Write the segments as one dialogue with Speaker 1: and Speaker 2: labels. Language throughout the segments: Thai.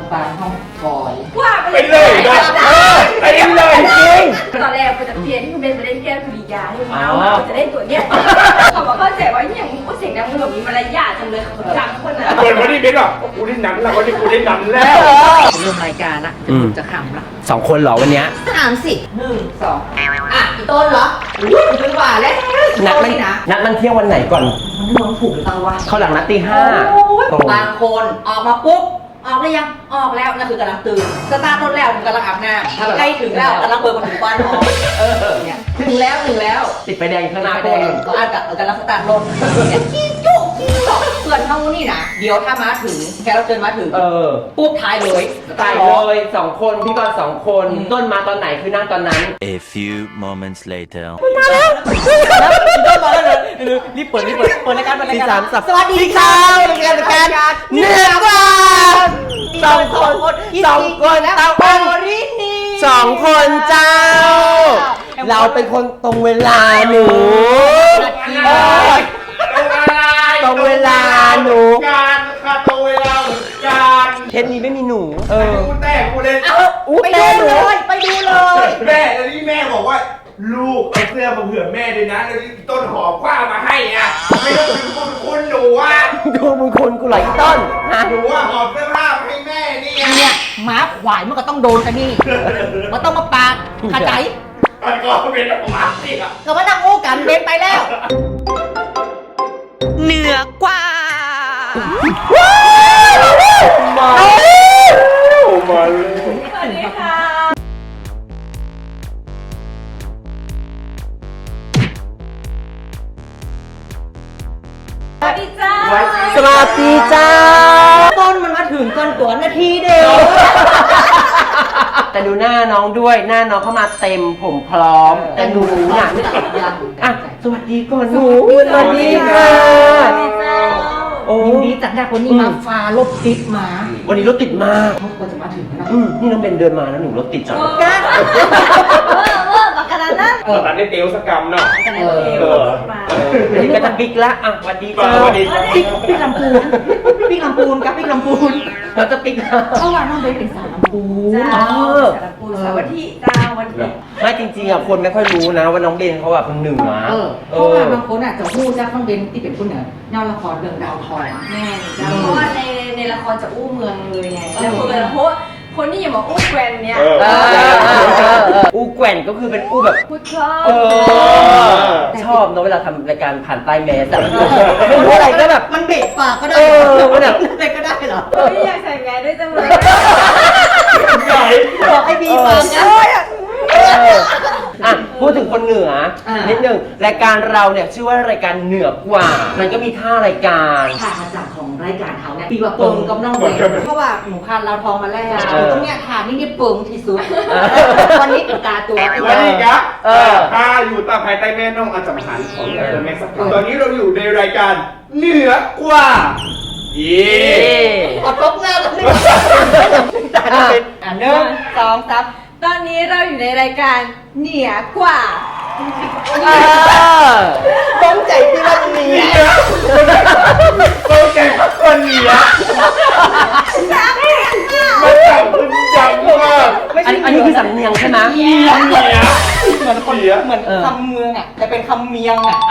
Speaker 1: ปานห้องคอย
Speaker 2: ว่าไปเล
Speaker 3: เลยนะไปเลยจริง
Speaker 2: ตอนแรกจะเปลี่ยนที่เป็นไปเล่นแก้วสุริยาที่มาจะได้ตัวเนี้ยเขาบอกเข้าใจว่าอย่างมึงก็เสียงดังมึงแบบมีมารยาทจังเลยเขาดังคนน่ะ
Speaker 3: เปิดวันนี้เบนหรอกูได้หนังแล้ววันนี้กูได้หนังแล้ว
Speaker 1: เริ่มรายการละจะขำละ
Speaker 4: 2 คนเหรอวันเนี้ย
Speaker 1: 30 1 2อ่ะอีต้นเหรออุ้ยถึงกว่าแล้ว
Speaker 4: นัดมันเที่ยงวันไหนก่อน
Speaker 1: มันมองถูกหรือเปล่าวะ
Speaker 4: เขาหลังนัดตี
Speaker 1: บางคนออกมาปุ๊บออกแล้วยังออกแล้วนั่นคือกำลังตื่นสตาร์ทรถแล้วกำลังอาบน้ำใกล้ถึงแล้วกำลังเปิดประตูบ้านออกเนี่ยถึงแล้ว
Speaker 4: ติดไฟแดงข้างหน้า
Speaker 1: ไปแดงก็อาจจะกำลังสตาร์ทรถจี้จุ๊จี้หรอกเพื่อนเท่านี่นะเดี๋ยวถ้ามาถึงแค่เราเดินมาถึงปุ๊บท้ายเลย
Speaker 4: ตายเลย 2 คนพี่กรณ์2 คนต้นมาตอนไหนคือนั่งตอนนั้น
Speaker 5: A few moments later.
Speaker 1: แล้วต้นมาแล้วเลยรีบเปิดรายการสวัสดีค่ะรายการเหนือกว่า2 คนเต้ารินี
Speaker 4: 2 คนเจ้า เราเป็นคนตรงเวลาหนูตรงเวลาหนู
Speaker 3: การค่ะตรงเวลาเหมือนกัน
Speaker 4: เทปนี้ไม่มีหนู
Speaker 3: กูแต่กูเล่น
Speaker 1: ไปดูเลย
Speaker 3: แม่แล้วนี่แม่บอกว่าลูกเอาเสื้อมาเผื่อแม่ด้วยนะแล้วนี่ต้นหอมคว้ามาให้อ่ะไม่ต้องถึงคุณหนูอ่ะ
Speaker 4: ดูมึงคนกูเหรออีต้นฮะ
Speaker 3: หนูอ่ะหอมเสื้อผ้ามาให้แม่นี่
Speaker 1: เนี่ยหมาขวายมันก็ต้องโดนกันนี่มันต้องมาปากขาใจ
Speaker 3: มันก็เป็นของมันสิอ่ะ
Speaker 1: ก็มานั่งโอ้กันเบนไปแล้ว
Speaker 6: เหนือกว่า
Speaker 3: มาเลย
Speaker 2: สวัสดีค่ะสวัสดีจ้า
Speaker 4: สวัสดีเจ้า
Speaker 1: ต้นมันมาถึงก่อนตัวนาทีเดียว
Speaker 4: แต่ดูหน้าน้องด้วยหน้าน้องเข้ามาเต็มผมพร้อมแต่หนูน่ะอ่ะสวัสดีก่อนหนูสวัสดีค่ะ โอ้
Speaker 1: ยินดีจากได้คนนี้มาฟ้ารถติดมา
Speaker 4: วันนี้รถติดมาก
Speaker 1: เขาควรจะมาถึงนะ
Speaker 4: นี่น้องเบนเดินมาแล้วหนูรถติดจัง
Speaker 1: กัน
Speaker 2: ปากกานั้น
Speaker 3: ตัดได้เตลสกรรมเนาะ
Speaker 2: มา
Speaker 4: วันนี้ก็จะบิ๊กละอ่ะสวัสดีเจ้า
Speaker 3: สวัสดี
Speaker 1: พี่ลำพูนกับพี่ลำพูน
Speaker 4: เราจะบิ๊กละ
Speaker 1: เพราะว่าน้องเบนเป็นสาวลำพูน
Speaker 2: จ้าสารปูสวัสดีจ้าวันที่
Speaker 4: ไม่จริงๆอ่ะคนไม่ค่อยรู้นะว่าน้องเบนเขาแบบคนเหนือ
Speaker 1: เพราะว่าบางคนอาจจะพูดจากน้องเบนที่เป็นคนเหนือแนวละครเรื่องดาวทอง
Speaker 2: แม่จ้าเพราะว่าในละครจะอู้เมืองเลยไงแล้วเพราะคนที่อย่ามาอู้แกรนเนี่ย
Speaker 4: อู้แกว่นก็คือเป็นอู้แบบ
Speaker 2: พูดชอบ
Speaker 4: ชอบเนอะเวลาทำรายการผ่านใต้แมสอะไม่รู้อะไรก็แบบ
Speaker 1: มันเบะปากก็ได้
Speaker 4: มันแบบ
Speaker 1: อะไรก็ได้เหรอ
Speaker 2: ไม่อยากใส่แมสด้วยจังเลย
Speaker 3: ใหญ่
Speaker 1: บอกให้บีฟังนะ
Speaker 4: อ่ะพูดถึงคนเหนือนิดนึงรายการเราเนี่ยชื่อว่ารายการเหนือกว่า มันก็มีท่ารายการ
Speaker 1: ทางมาจากของรายการเขาเนี่ยปีว่าเปิงกับน้องเบนเพราะว่าหนูพานเราทองมาแล้วตรงเนี้ยทานนี่เปิงที่สุดวันนี้เป็นตาตัว
Speaker 3: วันนี้ครับถ้าอยู่ตามภายใต้แม่น้องอาจารย์หันของแม่สักตอนนี้เราอยู่ในรายการเหนือกว่าเย่
Speaker 1: อดลบหน้าแล้วนี่1 2 3
Speaker 2: ตอนนี้เราอยู่ในรายการเหนือกว่า
Speaker 1: ต้องใจที่ว่าจะมี
Speaker 3: โอเคคนเหนือมาจากคุณจังมาก
Speaker 4: อันนี้คือสำเนียงใช่ไหม
Speaker 3: เหนือ
Speaker 1: เหมือนคนเหมือนคำเมืองอ่ะจะเป็นคำเมียงอ่ะ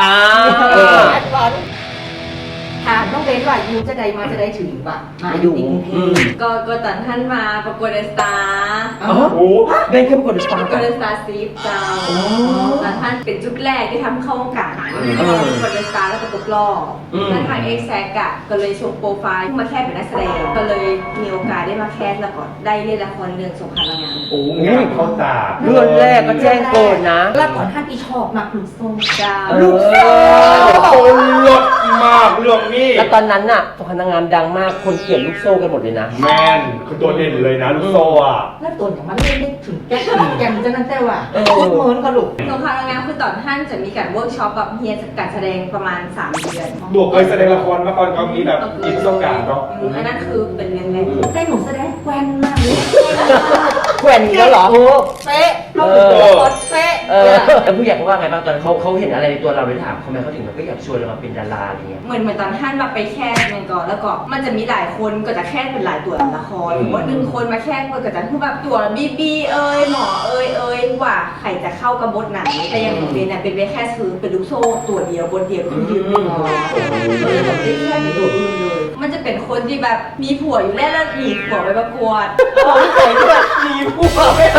Speaker 1: ถามน้องเบนว่ายูจะได้มาจะได้ถึงป่ะมาอยู่กรุงเทพ
Speaker 2: ก็ตอนท่านมาประกวดเดอะสตาร์
Speaker 4: อ๋อเบนเข้มกดสปา
Speaker 2: ประ
Speaker 4: ร์
Speaker 2: กวดเดอะสตาร์ซีฟเจ้าตอนท่านเป็นจุดแรกที่ทำเข้าวงการประกวดเดอะสตาร์แล้วก็ตกรอบแล้วทางเอ็กแซกอะก็เลยชมโปรไฟล์มาแค่เป็นนักแสดงก็เลยมีโอกาสได้มาแคสแล้วก็ได้เล่นละครเรื่องสงครามนางงาม
Speaker 3: โอ้งานเข้าตา
Speaker 4: เรื่องแรกก็แจ้งโกนนะ
Speaker 1: แล้วก่อนท่านอีชอบมักลูกส้ม
Speaker 2: เจ้า
Speaker 4: ลูก
Speaker 3: โอ้ลดมากเรื่องนี้
Speaker 4: แล้วตอนนั้นน่ะสงครามนางงามดังมากคนเกลียดลูกโซ่กันหมดเลยนะ
Speaker 3: แมนคือตัวเด่นเลยนะลูกโซ่อะ
Speaker 1: แล้วตัวอย่างมันเล่นได้ถึงแก่นจะนั่นแต่ว่าพูดเหมือนกับลูก
Speaker 2: สงครามนางงามคือตอนท่านจะมีการเวิร์กช็อปกับเฮียการแสดงประมาณ3 เดือน
Speaker 3: ตัวเคยแสดงละครมาก่อนก็มีแบบอินสงการเนาะ
Speaker 2: อันนั้นคือเป็นเรื่องแรก
Speaker 1: แต่หนูแสดงแกวนมากเลย
Speaker 4: แกว่นอีกแล้วเหรอ
Speaker 1: เป๊ะโคตรเป๊ะ
Speaker 4: แล้วผู้ใหญ่เขาว่าไงบ้างตอนเขาเห็นอะไรในตัวเราเลยถามเขาไหมเขาถึงแบบก็อยากชวนเรามาเป็นดาราอะไรเงี้ย
Speaker 2: เหมือนตอนท่านมาไปแค่นึงก่อนแล้วก็มันจะมีหลายคนก็จะแค่เป็นหลายตัวละครหรือว่าหนึ่งคนมาแค่คนก็จะพูดแบบตัวบีหมอว่าใครจะเข้ากับบทไหนแต่อย่างของเบนเนี่ยเป็นแค่ซื้อเป็นลูกโซ่ตัวเดียวบทเดียวคือยืนหนึ่งเลยแบบได้แค่ในตัวอื่นเลยมันจะเป็นคนที่แบบมีผัวอยู่แล้วหนีผัวไปประกวด
Speaker 1: ใส่ด้วยมีผัวไม่ได้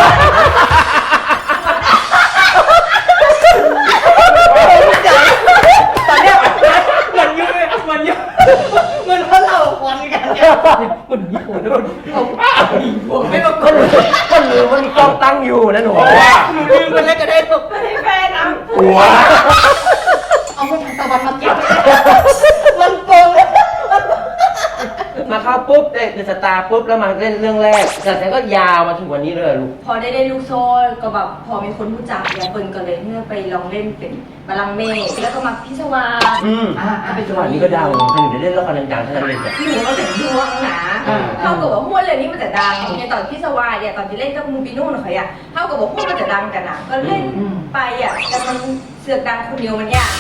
Speaker 1: ตอนเนี้ยมันยุ่งมันเพราะเราควันกันเนี่ยมันมีผัวด้วยมีผัวไม่ประกวด
Speaker 4: ก็ลืมว่ามีกล้องตั้งอยู่นะหนู
Speaker 1: หนูลืมไปแล้วก็ได้ตก
Speaker 2: ไม่ได้แฟนนะ
Speaker 3: หัว
Speaker 1: เอาไปทางตะวันมาเก็บมันโกง
Speaker 4: มาเข้าปุ๊บเป็นสตาร์ปุ๊บแล้วมาเล่นเรื่องแรกแต่แล้วก็ยาวมาถึงวันนี้เลยลูก
Speaker 2: พอได้ลูกโซ่ก็แบบพอมีคนรู้จักเนี่ยเปิ้ลก็เลยเมื่อไปลองเล่นเป็นบาลังก์เมฆแล้วก็มาพิศวาส
Speaker 4: เป็นจังหวะนี้ก็ดังหนูได้เล่นละครดังๆทั้งนั้นเลยจ้ะ
Speaker 2: หนูก็ถึงดวงหนาเท่ากับว่าม้วนเรื่องนี้มันจะดังในตอนพิศวาสเนี่ยตอนที่เล่นกับมูปิโน่หน่อยอะเท่ากับว่าม้วนมันจะดังกันอะก็เล่นไปอะแต่มันเสือกดังคนเดียวมันยาก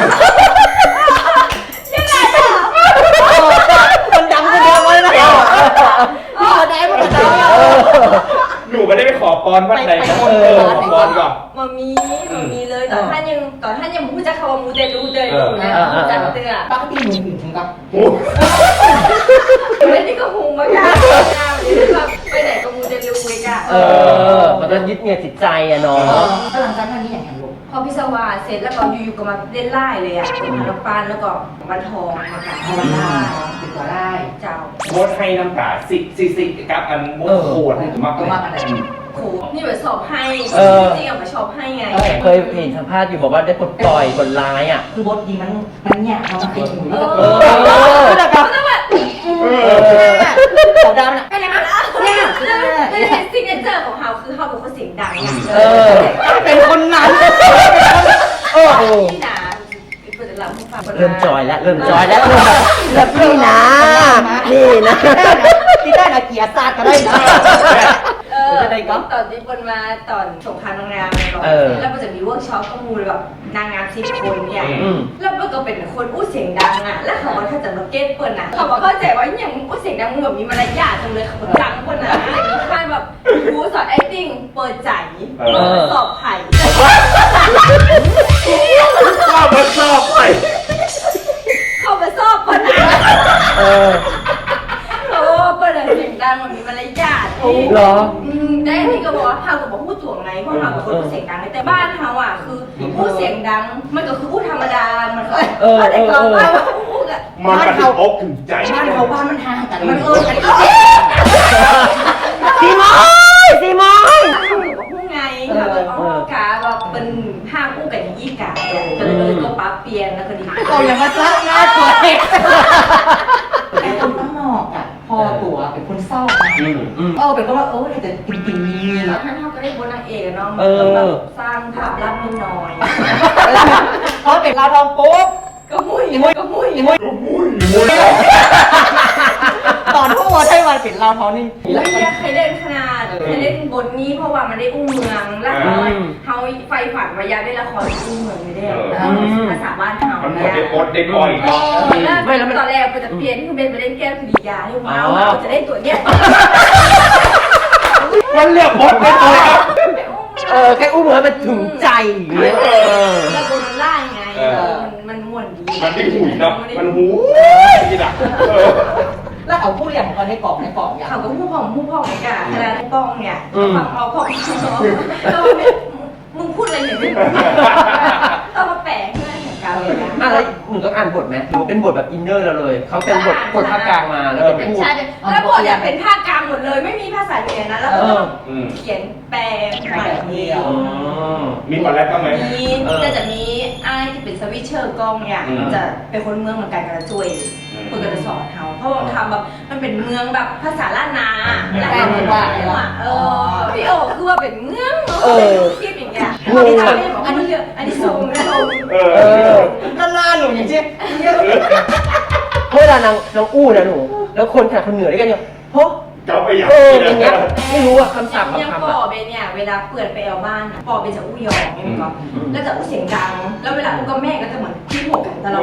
Speaker 2: ยังไงอะ
Speaker 1: มันดังคนเดียวเลยนะพี่เขาได้มันดัง
Speaker 3: หนูไม่ได้ไปขอพรวัดไหนนะขอพรก่อน
Speaker 2: มามีเลยตอนท่านยังพูดจะคำว่ามูเตลูนะมูจักเตือ
Speaker 1: ปกติหนูถึงกับ
Speaker 2: ไม่ได้ก็หูมากอะแบบไปไหนก็มูเตลูเลยอะ
Speaker 4: มันก็ยึดเหนี่ยวจิตใจอะเนาะ
Speaker 1: แล้วหลังจากนั้นนี่อย่างไรลูก
Speaker 2: พอพิศวาสเสร็จแล้วก็อยู่ๆก็มาเล่นไล่เลยอะมาลำปานแล้วก็วันทองมากับ
Speaker 1: เอาวันได้ติดต่อได้
Speaker 2: เจ้า
Speaker 3: มดให้น้ำตาสิกับอันมดโคตรให้มาก
Speaker 1: ก็มากอะไร
Speaker 2: โหนี่แบบสอบให้จริงๆอะมาชอบให้ไง
Speaker 4: เคยเห็นสัมภาษณ์อยู่บอกว่าได้ปลดปล่อยบนร้ายอ่ะ
Speaker 1: คือบทดีมันเนี่ยเราเป็นหนู
Speaker 2: แต่ก็ต้องแบบ
Speaker 1: ขาวดำน่ะ
Speaker 2: อะไรนะเนี่ยซิกเนเจอร์ของเขาคือเขาเป็นคนเสียงดังไง
Speaker 1: เป็นคนนั้น
Speaker 2: ที่หนาเปิดเราให้ฟัง
Speaker 4: เริ่มจอยแล้วเริ่มแบบนี่นะนี่นะ
Speaker 1: ที่ได้นะเกียร์ซาดก็ได้นะ
Speaker 2: ตอนที่คนมาตอนสงครามนางงามแล้วมันจะมีเวิร์กช็อปข้อมูลแบบนางงาม10 คนเนี่ยแล้วมันก็เป็นคนอู้เสียงดังอ่ะแล้วเขาก็ถ้าจะมาเก็ตเปิดนะเขาบอกเข้าใจว่าอย่างอู้เสียงดังมึงแบบมีมารยาทจังเลยเขาดังคนนะมีค่ายแบบครูสอน acting เปิดใจสอบไผ่
Speaker 3: ก็มาชอบไป
Speaker 2: เขามาสอบคนนะเปิดเสียงดังมันมีมารยาท
Speaker 4: เหรอ
Speaker 2: ได้ที่ก็บอกว่าเฮาก็บอกพูดถ่วงไงเพราะเฮาเป็นคนพูดเสียงดังแต่บ้านเฮาอ่ะคือพูดเสียงดังมันก็คือพูดธรรมดามันก็แต่ก่อนว่าพูดอ่ะ
Speaker 3: มันกระถึงอกถึงใจ
Speaker 1: บ้านเขาบ้านมันห่างกันมันกัน
Speaker 4: ซีมอย
Speaker 2: พูดไงเขาก็อ๋อกาว่าเป็นห้างอู้กันยี่กาก็เลยก็ปั๊บเปลี่ยนแล้วก็ดี
Speaker 1: เขาอย่างมาจ้าหน้าตัวเองไอ้คนข้างนอกอ่ะพอตัวเป็นคนเศร้าเป็นคนว่าแต่จริงๆมี
Speaker 2: ท่านเฮาก็ได้บนนางเอกเนาะสร้างภาพลับนิดหน่อย
Speaker 1: เพราะเป็นเราทองปุ๊บ
Speaker 2: ก็มุ้ย
Speaker 1: ตอนที่ว่าใช่วันเป็นเราท้องนี่
Speaker 2: เคยเล่นขนาดเคยเล่นบทนี้เพราะว่ามันได้อุ้มเมืองแล้วเขาไฟฝันวายาได้ละครอุ้มเมืองไม่ได้ภาษาบ้านเฮา
Speaker 3: มันหม
Speaker 2: เนี่
Speaker 3: ด
Speaker 2: ย
Speaker 3: ได้อดได้ปล่อยเนาะ
Speaker 2: ตอนแรกจะเปลี่ยนคือเป็นไปเล่นแก้วสุริยาให้ว้าวจะได้ตัวเนี้ย
Speaker 3: มันเรียกมดได้ปล่อยครับ
Speaker 4: แค่อุ้มมันถึงใจอย่างเงี้ย
Speaker 2: แล้วบนมันล่าไงมันม่วนดี
Speaker 3: มันได้หุยเนาะมันหูที่ดัก
Speaker 1: แล้วเอาผู้เรียนของเขาในกล่องอย่าง
Speaker 2: เขาก็ผู้พ่องไงกันขนาดป้องเนี่ยฟังเอาพ่องมึงพูดอะไรเนี่ยต้องมาแปลเพื่อนของเราเลยนะ
Speaker 4: แล้วหนูต้องอ่านบทไหมหรือเป็นบทแบบอินเนอร์เราเลยเขาเป็นบทภาคกลางมาแล้วเป็นพูด
Speaker 2: ใช่แล้วบทเนี่ยเป็นภาคกลางหมดเลยไม่มีภาษาเหนือนะแล้วก็เขียนแปลใหม่เดียว
Speaker 3: มีคนแรกก็ไหม
Speaker 2: มีจะมีไอ้ที่เป็นสวิตเชอร์กล้องเนี่ยจะเป็นคนเมืองเหมือนกันกับจุ้ยคนก็จะสอนเขาเพราะว่าทำแบบมันเป็นเมืองแบบภาษาล้านนาแล้วก็ว่าพี่โอคือว่าเป็นเมืองคิดอย่างเงี้ยอันนี้ซูมนะซูม
Speaker 1: นั่นหน้าหนูอย่างเช่น
Speaker 4: เวลานางอู้นะหนูแล้วคนขนาดคนเหนือด้วยกันเนี่ยเพราะ
Speaker 3: เจ้าไปอย่าง
Speaker 4: อย่างเงี้ยไม่รู้อะคำศัพท์
Speaker 2: ยัง
Speaker 4: คำ
Speaker 2: ปอ
Speaker 4: อะ
Speaker 2: เบนเนี่ยเวลาเปิดไปเอาบ้านปอเบนจะอู้ยองใช่ไหมก็แล้วจะอู้เสียงดังแล้วเวลาอู้กับแม่ก็จะเหมือนพี่หัวกันตลอด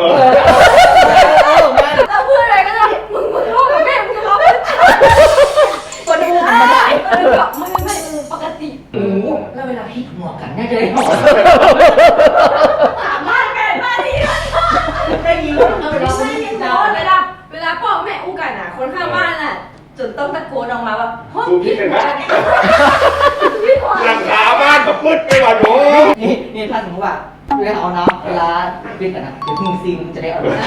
Speaker 2: แล้วเพื่อนอะไรก็จะมึงทะเลาะกับแม่มึงทะเลาะกับคนอื่นไม่ได้แบบไม่ปกติ
Speaker 1: โอ้แล้วเวลาพี่หัวกันน่าจะได้หัว
Speaker 2: สามารถแม่บ้านนี้
Speaker 1: ได้ยิน
Speaker 2: เวลาพ่อแม่อู้กันอ่ะคนข้างบ้านอ่ะจนต้องตะโกนออกมาว่าห้องพี่หัวพี่หัว
Speaker 3: หลังคาบ้านกับมืดไปว่ะหนู
Speaker 1: นี่ถ้าสมมติว่าเวลาเอาน้ำเวลาบินกันนะเดี๋ยวพึ่งซิงจะได้เอาน้ำ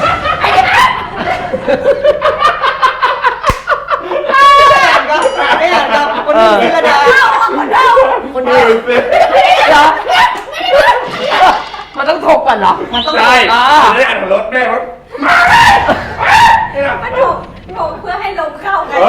Speaker 1: ไม่อยากกับคนอื่นนี่ละนะคนอื่น
Speaker 4: เหรอมันต้องถกก่อนเหรอ
Speaker 1: มันต้อง
Speaker 3: ใช่ได้อ่านรถแม่รถมาเลย
Speaker 2: มันถูกเพื่อให้ลมเข้ากัน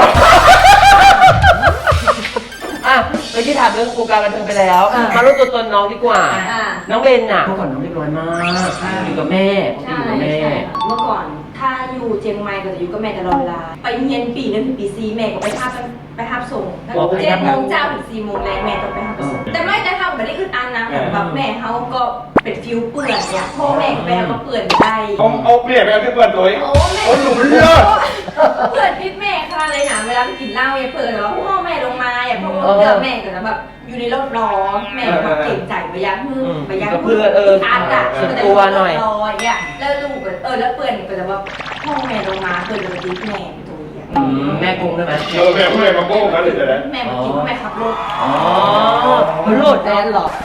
Speaker 4: อ่ะเมื่อกี้ถามเรื่องวงการบันเทิงไปแล้วมารู้ตัวตนน้องดีกว่า น้องเบนน่ะเมื่อก่อนน้องเรียบร้อยมากอยู่กับแม่อยู่กับแม่
Speaker 2: เมื่อก่อนถ้าอยู่เชียงใหม่ก็จะอยู่กับแม่ตลอดเวลาไปเรียนปีนึงถึงปีซีแม่ก็ไปทับส่ง7 โมงเช้าถึง4 โมงแรงแม่ต้องไปทับส่งแต่ไม่ได้ทำไม่ได้อึดอัดนะแบบแม่เขาก็เป็นฟิวเปื่อนเนี่ยพ่อแม่แม่ก็เปื่อนได้
Speaker 3: เอาเปลี่ยนไปเอาที่เพื่อนตัวเอง
Speaker 2: โอ้แม่
Speaker 3: โอ้หนูเลิศ
Speaker 2: เพื่อนพิษแม่ค่ะเลยนะเวลาไปกินเหล้าอย่าเปิดว่าพ่อแม่ลงมาอย่าพ่อเจอแม่ก็จะแบบอยู่ในรถล้อแม่แบบเก่งใจไปยักมือไปยักมืออัดอ่ะตัวหน่อยอ่ะแล้วลูกแล้วเปื่อนก็จะแบบพ่อแม่ลงมาเพื่อนจะมาตีแม่ตัวอย่าง
Speaker 4: แม่กงได้ไหม
Speaker 3: แม่พูดอะไรมาโก้กันเลยแต่ละ
Speaker 2: แม่มากินแม่ขับรถ
Speaker 4: อ๋อมันโลด
Speaker 1: แดนหรอ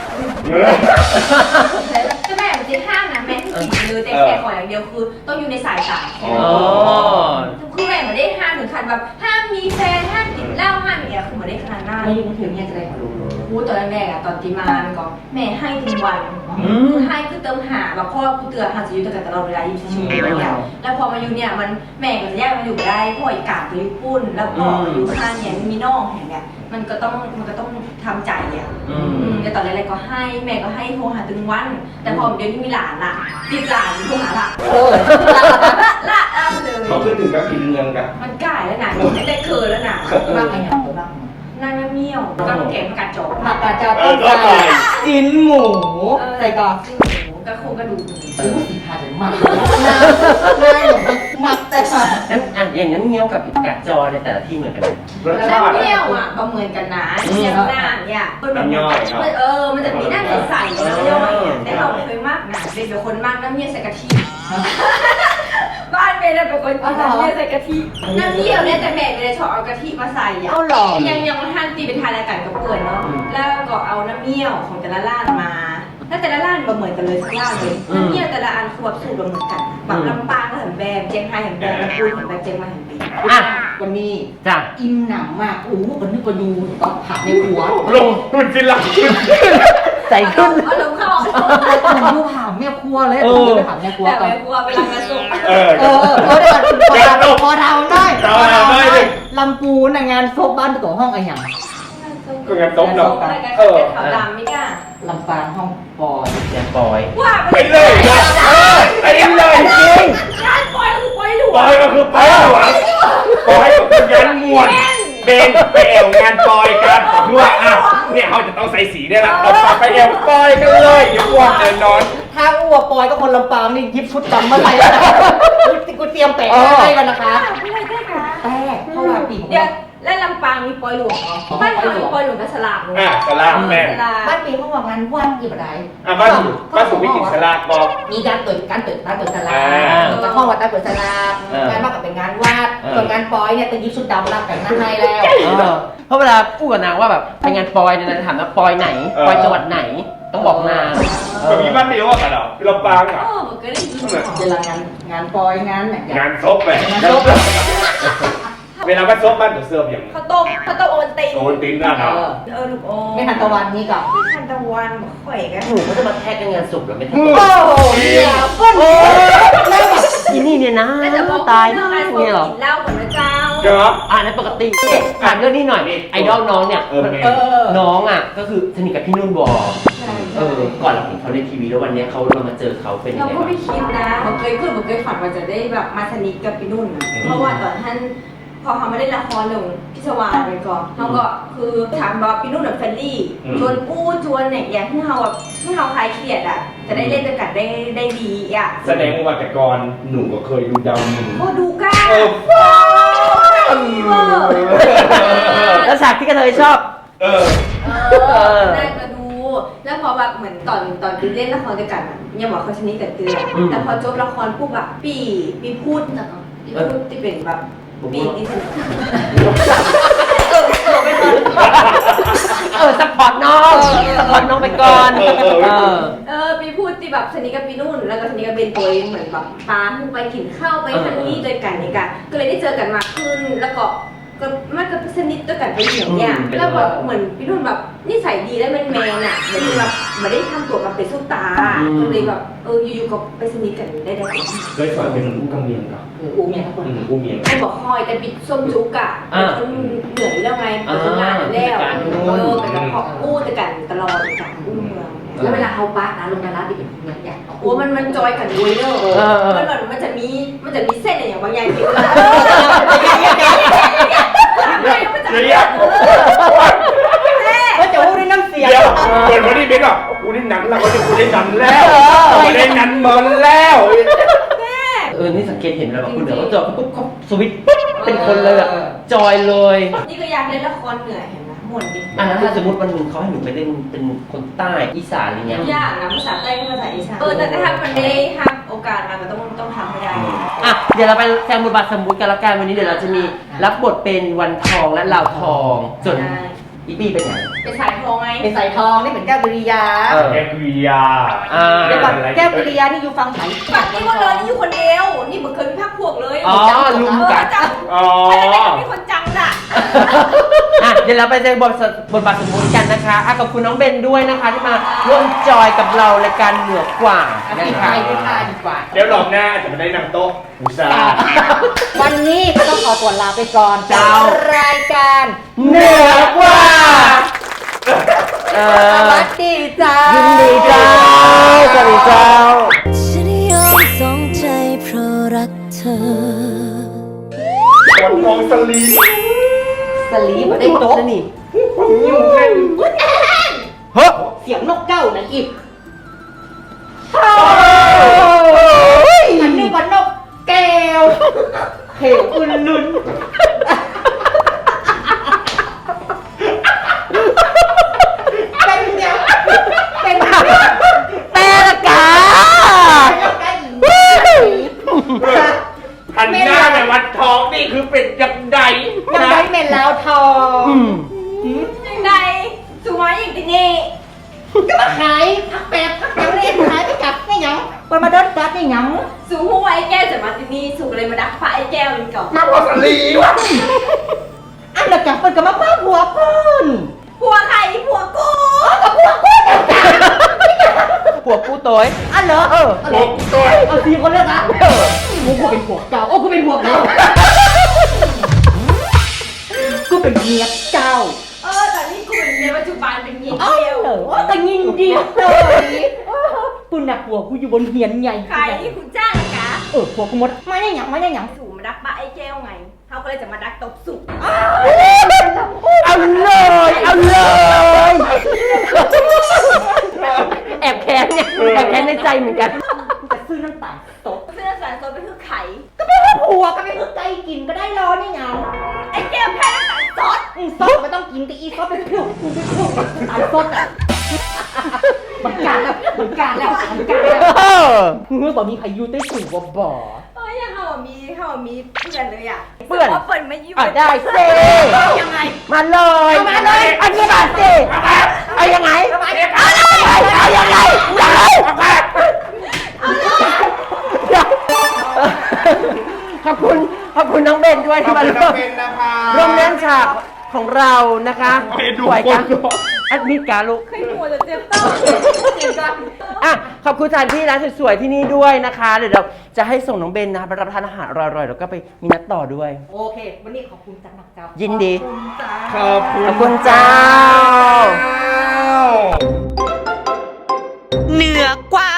Speaker 2: แต่แม่มันจะห้ามนะแม่ที่กินเลยแต่แค่ขออย่างเดียวคือต้องอยู่ในสายตา
Speaker 4: อ๋อ
Speaker 2: คือแม่ไม่ได้ห้ามถึงขั้นแบบห้ามมีแฟนห้ามกินเหล้าห้ามอย่างเงี้ยคือไม่ได้ขนาดนั้น
Speaker 1: ไม่ยุ่งถึงเนี่ยจะได้มารู้
Speaker 2: พูดตอนแรกอะตอนตีมามันก็แม่ให้ทุกวันคือให้คือเติมหาแบบพ่อกูเตือนหาจะอยู่ด้วยกันตลอดเวลา24 ชั่วโมงเนี่ยแล้วพอมาอยู่เนี่ยมันแม่ก็จะแยกมาอยู่ได้พ่ออีกกาดไปญี่ปุ่นแล้วพ่ออยู่ข้างเนี่ยมีน้องเห็นเนี่ยมันก็ต้องทำใจอ่ะแต่ตอนแรกๆก็ให้แม่ก็ให้โทรหาตึงวัน แต่พอเดี๋ยวนี้มีหลานละติดหลานโทรหาละละเลย
Speaker 3: เขาขึ้นถึงกับกินเงินกัน
Speaker 2: มันก่ายแล้วนะไม่ได้เคยแล้วนะ
Speaker 1: บ้างไงอย่างตัวบ้าง
Speaker 2: นางเมี่ยวกับแกงกัดจอก
Speaker 1: ผักกาดจาต้มไก่จิ้นหมูใส่กรอก
Speaker 2: ซึ่งหมูกับโครงกระดูก
Speaker 1: ซื้อสีทาถึงมากง่ายหรอมักแต่ค่ะ
Speaker 4: งั้นอย่างนั้นเงี้ยวกับกัดจอในแต่ละที่เหมือนกันไหม
Speaker 3: รส
Speaker 2: แล้ว
Speaker 3: ชาติ
Speaker 2: เมี่ยวอ่ะก็เหมือนกันนะเมี่ยวหน้าเนี่ยมันจะมีหน้าใสๆน้ำย่อยเนี่ยแต่เราไม่เคยมากนะเป็นคนมากน้ำเมี่ยวใส่กะทิบ้านเมย์เป็นคนกินน้ำเมี่ยวใส่กะทิน้ำเมี่ยวเนี่ยแต่แม่ไม่ได้ชอบเอากะทิมาใส่อ่ะยังมาทานตีเป็นทานรายการกับเปื่อนเนาะแล้วก็เอาน้ำเมี่ยวของแต่ละร้านมาแล้วแต่ละร้านก็เหมือนกันเลยสักร้านเลยน้ำเมี่ยวแต่ละอันคือแบบสูตรเหมือนกันแบบลำปางก็เห็นแบบเจียงไฮ้เห็นแบบลำพูนเห็นแบบเจียงใหม่เห็นแบบ
Speaker 4: อ่ะ
Speaker 1: วันนี้
Speaker 4: จ้ะ
Speaker 1: อิ่มหนำมากโอ้วันนี้ก็ดูก็ผักในหัว
Speaker 3: ลงมันฟินหลัง
Speaker 4: ใส่ขึ้น
Speaker 2: เอาลงเข้า
Speaker 1: ผมดูผ่าแม่ครัวเลยผมไปผ่าแม่ครัว
Speaker 2: แต่
Speaker 1: ก่อน
Speaker 2: ไม่กลัวเวลางานศพ
Speaker 3: เออ
Speaker 1: เดี๋ยวพอทำได้
Speaker 3: พอทำได้ดิ
Speaker 1: ลำปูนงานศพบ้านตัวห้องอะไรอย่าง
Speaker 3: ก็งานต้มเนาะ
Speaker 2: รายการขาวดำไม่กล้า
Speaker 1: ลำปางห้องปอย
Speaker 4: แย่ปอย
Speaker 2: ว่า
Speaker 3: ไปเลยไปเลยจริง
Speaker 2: งานปล่อยคือปล่อยหลว
Speaker 3: ปอยก็คือปอยหลวงปอยก็คืองานมวนเบนไปแอวงานปอยกันคือว่าอ่ะเนี่ยเขาจะต้องใส่สีได้ละเราไปแอวปอยกันเลยอย่าอ้วนเลยนอน
Speaker 1: ถ้าอ้วปอยก็คนลำปางนี่ยิบชุดดำมาใส่แล้วกูเตรียมแปะให้กันนะคะ
Speaker 2: ไม่ได้ได้ค่ะ
Speaker 1: แต่เพราะว่าปีก
Speaker 2: เดี๋ยวและลำปางมีปล่อยหลวงเหรอบ้านเรามีปล่อยหลวงกับสลาก
Speaker 3: อ่ะสลากแม่
Speaker 2: สลาก
Speaker 1: บ้านปีเขาบอกงานวันกี่บาท
Speaker 3: อ่ะบ้านสูงวิกฤตสลากบอก
Speaker 1: มีการเปิดตลาดแล้วห้องวัดเปิดตลาดงานมากกับเป็นงานวาดส่วนงานปอยเนี่ยเป็นยิบชุดดำรับแต่งหน้าให้แล้ว
Speaker 4: เพราะเวลาพูดกับนางว่าแบบไปงานปอยเนี่ยนางจะถามว่าปอยไหน ปอยจังหวัดไหน ต้องบอกนาง
Speaker 3: แบบมีบ้านเดียวกันเหรอลำปางอ่ะ
Speaker 2: โอ้มันก็ได้ยิน
Speaker 1: เวลางานปอยงานเนี่ย
Speaker 3: งานซบไปเวลาบ้านซบบ้านตัวเสื้ออย่าง
Speaker 2: ข้าวต้มโอนตีน
Speaker 3: โอนติ้นนะเนาะ
Speaker 2: ลูกโอ
Speaker 1: ไม่ทันตะวันนี่กับ
Speaker 2: ไม่ทันตะวันข่อยกัน
Speaker 4: หนูก็จะมาแทกกันงานศพหรือไม่ทัน
Speaker 1: โอ้โหเนี่ยเปิ้ล
Speaker 4: อีนี่เนี่ยนะ
Speaker 2: แล้วจะบอก
Speaker 4: ตาย
Speaker 2: เรื่อง
Speaker 4: นะ
Speaker 2: การ
Speaker 4: เนี่ยเหรอ
Speaker 2: กินเหล้าก่อนนะเจ้า
Speaker 3: เดี๋ยว
Speaker 4: ในปกติถามเรื่องนี้หน่อยไอดอลน้องเนี่ยน้องอ่ะก็คือสนิทกับพี่นุ่นวอก่อนเราเห็นเขาในทีวีแล้ววันนี้เรามาเจอเขาเป็นยั
Speaker 2: เรา
Speaker 4: งไง
Speaker 2: ก็
Speaker 4: บ้าง
Speaker 2: ไม่คิดนะผมเคยฝันว่าจะได้แบบมาสนิทกับพี่นุ่นนะเพราะว่าตอนท่านพอเขามาเล่นละครลงพิศวาสไปก่อนเขาก็คือถามว่าพี่นุ่นแบบเฟรนลี่ชวนกู้ชวนเนี่ยอย่างที่เขาแบบที่เขาคลายเครียดอ่ะจะได้เล่นด้วยกันได้ดีอ่ะ
Speaker 3: แสดงว่าแต่ก่อนหนูก็เคยดูดาวหนึ่ง
Speaker 2: โอ้ดูก้า
Speaker 4: แล้วฉากที่กระเทยชอบ
Speaker 2: ได้ก็ดู แล้วพอแบบเหมือนตอนเล่นละครด้วยกันอ่ะยังบอกเขาชนิดแต่เตือนแต่พอจบละครปุ๊บแบบปีพูดที่เป็นแบบปีที่สนิท
Speaker 4: ซัพพอร์ตน้องซัพพอร์ตน้องไปก่อน
Speaker 2: ปีพูดที่แบบสนิทกับปีนุ่นแล้วก็สนิทกับเบนตัวเองเหมือนแบบปาไปกินข้าวไปทันนี้ด้วยกันนี่กันก็เลยได้เจอกันมากขึ้นแล้วก็มันก็สนิทด้วยกันไปอย่างเงี้ยแล้วแบบเหมือนพี่นุ่นแบบนิสัยดีและแมนอ่ะเหมือนแบบไม่ได้ทำตัวแบบเป็นซุปตาก็เลยแบบอยู่ๆก็ไปสนิทกันได้
Speaker 3: เคยสอนเป็นผู้กำเนียงเหรอ
Speaker 2: อูเมียครับ
Speaker 3: ผู้เมียง
Speaker 2: ไม่บอกคอยแต่ปิดส้มจุกอะมันเหนื่อยแล้วไงเปิดงานแล้วแต่ก็ขออู้แต่กันตลอดกันอู้เมือง
Speaker 6: แล้วเวลาเขาปะนะลงนาราดิเป็นอย่าง
Speaker 2: โอ้มันจอยกันด้วยเนอะมันจะมีเส้นอย่างบางอย่างที่เรา
Speaker 1: ก็จะพูดด้วยน้ำเสียง
Speaker 3: เดี๋ยวเหมือนวันนี้เบนบอกกูได้หนังแล้วกูได้หนังแล้วกูได้หนังมันแล้ว
Speaker 4: นี่สังเกตเห็นแล้วแบบคุณเดี๋ยวเขาจอปุ๊บเขาสวิตช์ปุ๊บเป็นคนเลยอะจอยเลย
Speaker 2: นี่ก็อยากเล่นละครเหนื่อยเห็นไหมหมดดิ
Speaker 4: แล้วถ้าสมมติวันหนึ่งเขาให้หนูไปเล่นเป็นคนใต้อีสานอะไรเงี้ย
Speaker 2: ยากนะภาษาใต้กับภาษาอีสานแต่ถ้ามันได้ครับโอกาสมามันต้องทำให้ได้
Speaker 4: เดี๋ยวเราไปแสดงบทบาทสมมุติกันละกันวันนี้เดี๋ยวเราจะมีรับบทเป็นวันทองและลาวทองส่วนอีปี้เป็นไง
Speaker 2: เป็นสายทองไง
Speaker 1: เป็นสายทองนี่เหมือนแก้วกุริยา
Speaker 3: แกกุยา
Speaker 1: เดี๋ยวก่อนแก้วกุริยานี่อยู่ฟังไหน
Speaker 2: ฝั่งนี้ก็เลยนี่อยู่คนเดียวนี่เหมือนเคยมีภาคพวกเลย
Speaker 4: ลุมกัน
Speaker 2: จัง
Speaker 3: อ๋อ
Speaker 2: มีคนจังอ่ะ
Speaker 4: เดี๋ยวเราไปแสดงบทบาทสมมุติกันนะคะขอบคุณน้องเบนด้วยนะคะที่มาร่วมจอยกับเรารายการเหนือกว่า
Speaker 1: ไม่
Speaker 4: นะ
Speaker 1: ใช่
Speaker 4: คะ
Speaker 1: ไม่ใช่ดีกว่า
Speaker 3: เดี๋ยวรอบหน้าจะมาได้นำโต๊ะอุตสาห์
Speaker 1: วันนี้ก็ต้องขอตัวลาไปก่อนจากรายการ
Speaker 4: เหนือกว่า
Speaker 1: สวัสดีจ้า
Speaker 4: ยินดีเจ้าสวัสดีเจ้า
Speaker 7: ฉันยอมสองใจเพราะรักเธอ
Speaker 3: วันทองสลี
Speaker 1: สลีมาได้โต๊ะ
Speaker 4: นี่
Speaker 3: ยุ่งเล่น
Speaker 4: เฮ้ย
Speaker 1: เสียงนกเก้านั่นอีกอันนี้วันนกแก้วเหวอุ่นลุนเป็นเนี่ยเป็น
Speaker 4: แต่ละกา
Speaker 3: หันหน้าไปวัดทองนี่คือเป็นยังไง
Speaker 1: ยังได้เมนแล้วทอง
Speaker 2: ยังไงสวยอย่างนี้
Speaker 1: ก็มาขายพักแป๊บพักยังเล่นขายไปกลับไม่ยังไปมาเดินจัดไม่ยัง
Speaker 2: สูหัวไอ้แก้วจะมาที่นี่สูเลยมาดักฟ้าไอ้แก้วมันก่อน
Speaker 3: มาพอสลีวะ
Speaker 1: อันเดียวกันเปิดกับมาป้าหัวเพิ่น
Speaker 2: ผัวใครผัวกู
Speaker 4: ผัวกูโต้ย
Speaker 1: อันเหรอ
Speaker 3: โอ้ตัว
Speaker 1: เอาสี่คนเลยนะกูเป็นผัวเก่าโอ้กูเป็นผัวเก่ากูเป็นเมียเจ้า
Speaker 2: แต่นี่กูเป็นเมียปัจจุบันเป็นเมีย
Speaker 1: เอ้า
Speaker 2: เดียว
Speaker 1: เหรอแต่ยินดีเลยกูหนักผัวกูอยู่บนเฮียนใหญ่
Speaker 2: ใครที่คุณจ้างนะกะ
Speaker 1: ผัวกูหมดไม่ได้หยังไม่ได้หยัง
Speaker 2: สูมาดักฟ้าไอ้แก้วไงเขาก็เลยจะมาดักตบสุก
Speaker 4: เอาเลยเอาเลยแอบแค้นเนี่ยแอบแค้นในใจเหมือนกัน
Speaker 1: จะซื้อน้ำตาลตก
Speaker 2: เสื้อสารโซนเป็นคือไข่
Speaker 1: ผัวก็ไม่ต้องใจกินก็ได้รอนี่หยัง
Speaker 2: ไอ้แก้วแพ้น้ำตาลซอส
Speaker 1: ซอสไม่ต้องกินแต่อีซอสเป็นผิวตายซอสอ่ะมันการแล้วมันการแล้วมันการแล้วเมื่อบอกมีพายุใต้สูงบ่อ
Speaker 2: ยังเขามีเพื่อนเลยอ่ะ
Speaker 4: เปื่อน
Speaker 2: เปิดไม่ยุ่
Speaker 4: ได้เซ่
Speaker 2: ยังไง
Speaker 4: มาเลยมาเลยอันนี้มาสิเอายังไงเอายังไงขอบคุณน้องเบนด้วยที่มาร่วมเล่นฉากของเรานะคะสวยกันแอดมิดการลูก
Speaker 2: เคยหัวจะเจ็บต้องเจ็บกัน
Speaker 4: ขอบคุณสถานที่ร้านสวยๆที่นี่ด้วยนะคะเดี๋ยวเราจะให้ส่งน้องเบนนะไปรับประทานอาหารอร่อยๆแล้วก็ไปมีนัดต่อด้วย
Speaker 1: โอเค วันนี้ขอบคุณจังนักเจ้า
Speaker 4: ยินดี
Speaker 3: ขอบคุณ
Speaker 4: ขอบคุณเจ้า
Speaker 7: เหนือกว่า